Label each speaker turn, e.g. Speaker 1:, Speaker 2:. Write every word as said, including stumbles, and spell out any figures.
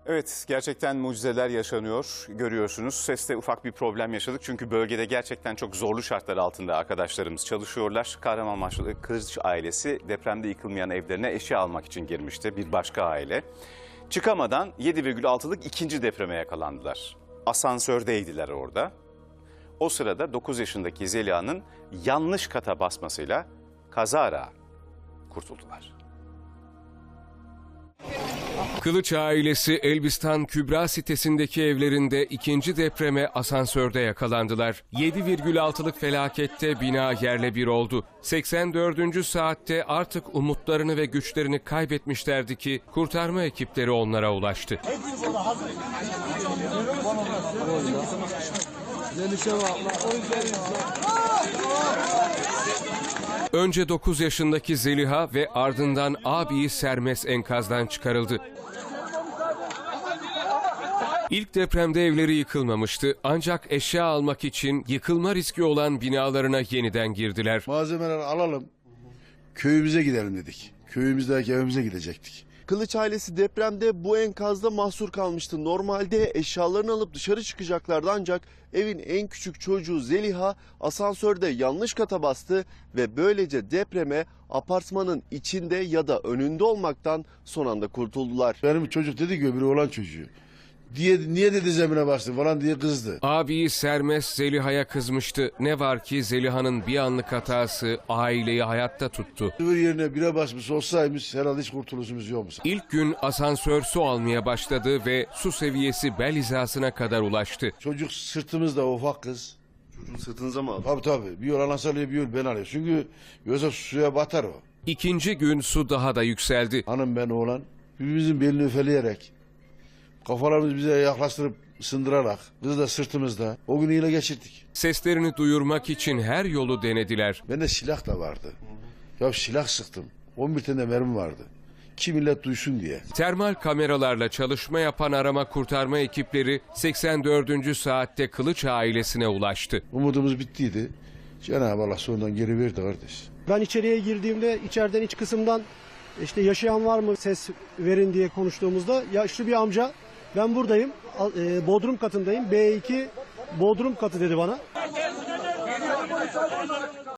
Speaker 1: Evet, gerçekten mucizeler yaşanıyor, görüyorsunuz. Seste ufak bir problem yaşadık çünkü bölgede gerçekten çok zorlu şartlar altında arkadaşlarımız çalışıyorlar. Kahramanmaraşlı Kılıç ailesi depremde yıkılmayan evlerine eşya almak için girmişti, bir başka aile. Çıkamadan yedi virgül altılık ikinci depreme yakalandılar. Asansördeydiler orada. O sırada dokuz yaşındaki Zeliha'nın yanlış kata basmasıyla kazara kurtuldular.
Speaker 2: Kılıç ailesi Elbistan Kübra sitesindeki evlerinde ikinci depreme asansörde yakalandılar. yedi virgül altılık felakette bina yerle bir oldu. seksen dördüncü saatte artık umutlarını ve güçlerini kaybetmişlerdi ki kurtarma ekipleri onlara ulaştı. Önce dokuz yaşındaki Zeliha ve ardından abiyi Sermes enkazdan çıkarıldı. İlk depremde evleri yıkılmamıştı ancak eşya almak için yıkılma riski olan binalarına yeniden girdiler.
Speaker 3: Malzemeleri alalım, köyümüze gidelim dedik. Köyümüzdeki evimize gidecektik.
Speaker 4: Kılıç ailesi depremde bu enkazda mahsur kalmıştı. Normalde eşyalarını alıp dışarı çıkacaklardı ancak evin en küçük çocuğu Zeliha asansörde yanlış kata bastı ve böylece depreme apartmanın içinde ya da önünde olmaktan son anda kurtuldular.
Speaker 3: Benim çocuk dedi ki öbürü olan çocuğu. Diye, niye dedi zemine bastı falan diye kızdı.
Speaker 2: Abiyi Sermes Zeliha'ya kızmıştı. Ne var ki Zeliha'nın bir anlık hatası aileyi hayatta tuttu.
Speaker 3: Öbür yerine bire basmış olsaymış herhalde hiç kurtuluşumuz yokmuş.
Speaker 2: İlk gün asansör su almaya başladı ve su seviyesi bel hizasına kadar ulaştı.
Speaker 3: Çocuk sırtımızda ufak kız.
Speaker 4: Çocuğun sırtınıza mı aldı?
Speaker 3: Tabii tabii. Bir yol anas alıyor bir yol ben alıyor. Çünkü yoksa suya batar o.
Speaker 2: İkinci gün su daha da yükseldi.
Speaker 3: Hanım ben oğlan birbirimizin belini öfeleyerek kafalarımızı bize yaklaştırıp ısındırarak kız da sırtımızda o günü yine geçirdik.
Speaker 2: Seslerini duyurmak için her yolu denediler.
Speaker 3: Bende silah da vardı. Ya silah sıktım. on bir tane mermi vardı. Ki millet duysun diye.
Speaker 2: Termal kameralarla çalışma yapan arama kurtarma ekipleri seksen dördüncü saatte Kılıç ailesine ulaştı.
Speaker 3: Umudumuz bittiydi. Cenab-ı Allah sonundan geri verdi kardeş.
Speaker 5: Ben içeriye girdiğimde içeriden iç kısımdan işte yaşayan var mı ses verin diye konuştuğumuzda yaşlı bir amca ben buradayım Bodrum katındayım B iki Bodrum katı dedi bana.